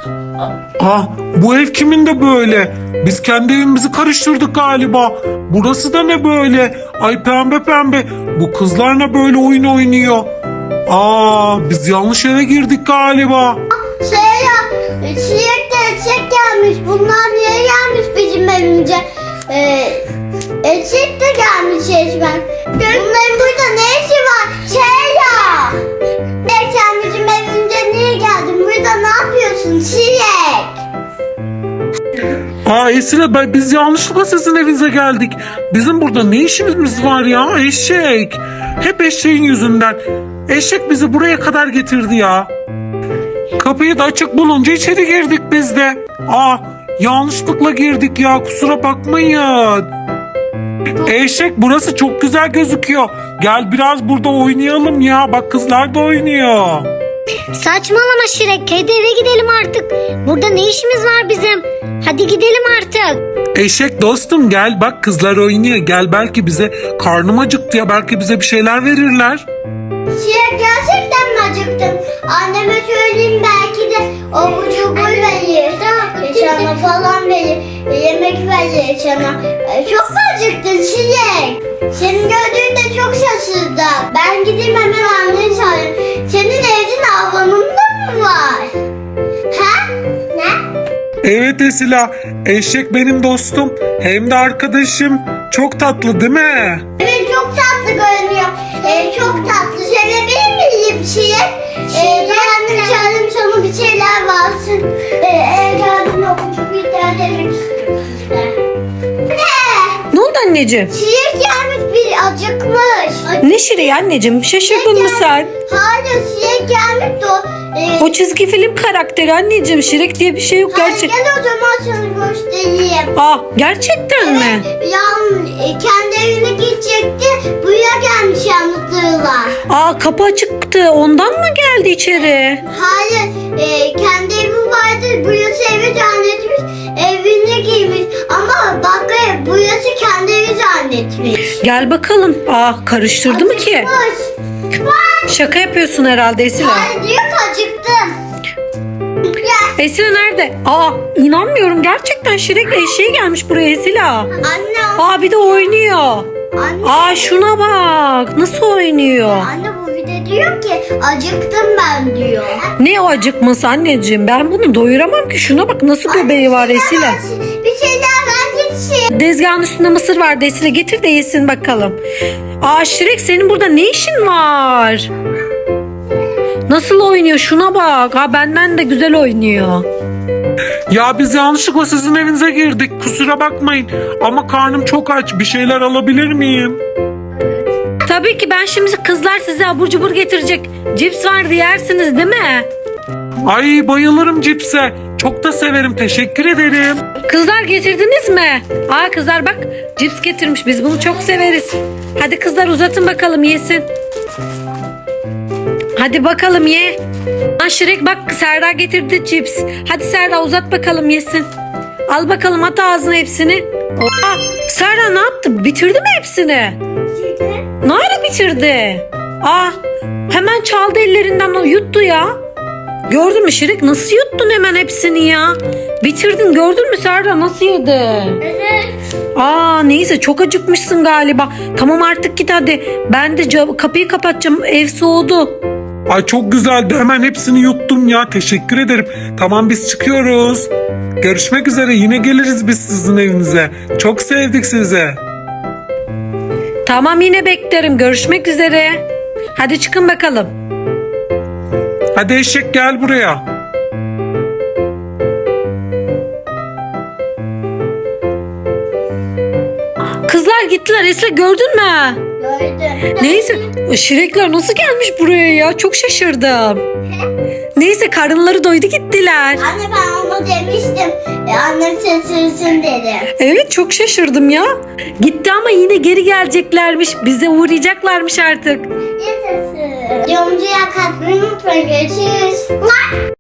Ah, bu ev kimin de böyle? Biz kendi evimizi karıştırdık galiba. Burası da ne böyle? Ay pembe pembe. Bu kızlar ne böyle oyun oynuyor? Aa, biz yanlış eve girdik galiba. Çilek de eşek gelmiş. Bunlar niye gelmiş bizim evimize? Eşek de gelmiş resmen. Bunların burada ne işi var? Sen bizim evimize niye geldin? Burada ne yapıyorsun Çilek? Aa Esile, biz yanlışlıkla sizin evinize geldik. Bizim burada ne işimiz var ya, eşek? Hep eşeğin yüzünden. Eşek bizi buraya kadar getirdi ya. Kapıyı da açık bulunca içeri girdik biz de. Aa, yanlışlıkla girdik ya, kusura bakmayın. Eşek, burası çok güzel gözüküyor. Gel biraz burada oynayalım ya. Bak kızlar da oynuyor. Saçmalama Şirek. Hadi eve gidelim artık. Burada ne işimiz var bizim? Hadi gidelim artık. Eşek dostum gel, bak kızlar oynuyor. Gel, belki bize karnım acıktı ya. Belki bize bir şeyler verirler. Çilek gerçekten mi acıktın? Anneme söyleyeyim, belki de abur cubur verir. Sana falan verir. Yemek verir sana. Çok mu acıktın Çilek? Seni gördüğümde çok şaşırdım. Ben gideyim hemen anneni çağırayım. Senin evcin avlanında mı var? Ha? Ne? Evet Esila, eşek benim dostum. Hem de arkadaşım. Çok tatlı değil mi? Evet, çok tatlı görünüyor. Çok tatlı. Sevebilir miyim Çilek? Ben annem çağırayım, sana bir şeyler varsın. Geldim okuyup bir tane demek istiyorum size. Ne oldu anneciğim? Çilek gelmiş, bir acıkmış. Ne Şire'yi anneciğim? Şaşırdın mı sen? Hayır, Çilek gelmiş de o. O çizgi film karakteri anneciğim. Şirek diye bir şey yok Hayır, gerçek. gel o zaman sana göstereyim. Ah, gerçekten mi? Kendi evine gidecekti. Buraya gelmiş yanıtlarla. Aa, kapı açıktı. Ondan mı geldi içeri? Hayır, kendi evi vardı. Burası evi zannetmiş. Evine girmiş. Ama bak, burası kendi evi zannetmiş. Gel bakalım. Aa, karıştırdı mı ki? Acıkmış. Şaka yapıyorsun herhalde Esila. Hayır, diyor ki acıktım. Gel. Esila nerede? Aa, inanmıyorum. Gerçekten Şirek eşeği gelmiş buraya Esila. Anne. Aa, bir de oynuyor. Anne. Aa, şuna bak. Nasıl oynuyor? Anne, bu bir de diyor ki acıktım ben diyor. Ne o acıkması anneciğim? Ben bunu doyuramam ki. Şuna bak, nasıl göbeği var Esila. Bir şeyler ver gitsin. Dezgahın üstünde mısır var Esile, getir de yesin bakalım. Aa Şirek, senin burada ne işin var? Nasıl oynuyor, şuna bak. Ha, benden de güzel oynuyor. Ya biz yanlışlıkla sizin evinize girdik. Kusura bakmayın. Ama karnım çok aç. Bir şeyler alabilir miyim? Tabii ki, ben şimdi kızlar size abur cubur getirecek. Cips vardı, yersiniz değil mi? Ay bayılırım cipse. Çok da severim. Teşekkür ederim. Kızlar, getirdiniz mi? Aa kızlar bak, cips getirmiş, biz bunu çok severiz. Hadi kızlar, uzatın bakalım yesin. Hadi bakalım ye. Lan Şirek bak, Serra getirdi cips. Hadi Serra, uzat bakalım yesin. Al bakalım, at ağzına hepsini. Oha, Serra ne yaptı? Bitirdi mi hepsini? Ne ara bitirdi? Aa, hemen çaldı ellerinden, o yuttu ya. Gördün mü Şirek, nasıl yuttun hemen hepsini ya? Bitirdin, gördün mü Serra nasıl yedi? Evet. Aa neyse, çok acıkmışsın galiba. Tamam artık git hadi. Ben de kapıyı kapatacağım, ev soğudu. Ay çok güzeldi. Hemen hepsini yuttum ya. Teşekkür ederim. Tamam, biz çıkıyoruz. Görüşmek üzere. Yine geliriz biz sizin evinize. Çok sevdik sizi. Tamam, yine beklerim, görüşmek üzere. Hadi çıkın bakalım. Hadi eşek gel buraya. Kızlar gittiler, Esra gördün mü? Gördüm. Neyse, Şirekler nasıl gelmiş buraya ya, çok şaşırdım. Neyse, karınları doydu, gittiler. Anne, ben ona demiştim. Annem şaşırsın dedi. Evet, çok şaşırdım ya. Gitti ama yine geri geleceklermiş, bize uğrayacaklarmış artık. Yaşasın. Yorumcuya katmayı unutmayın. Görüşürüz.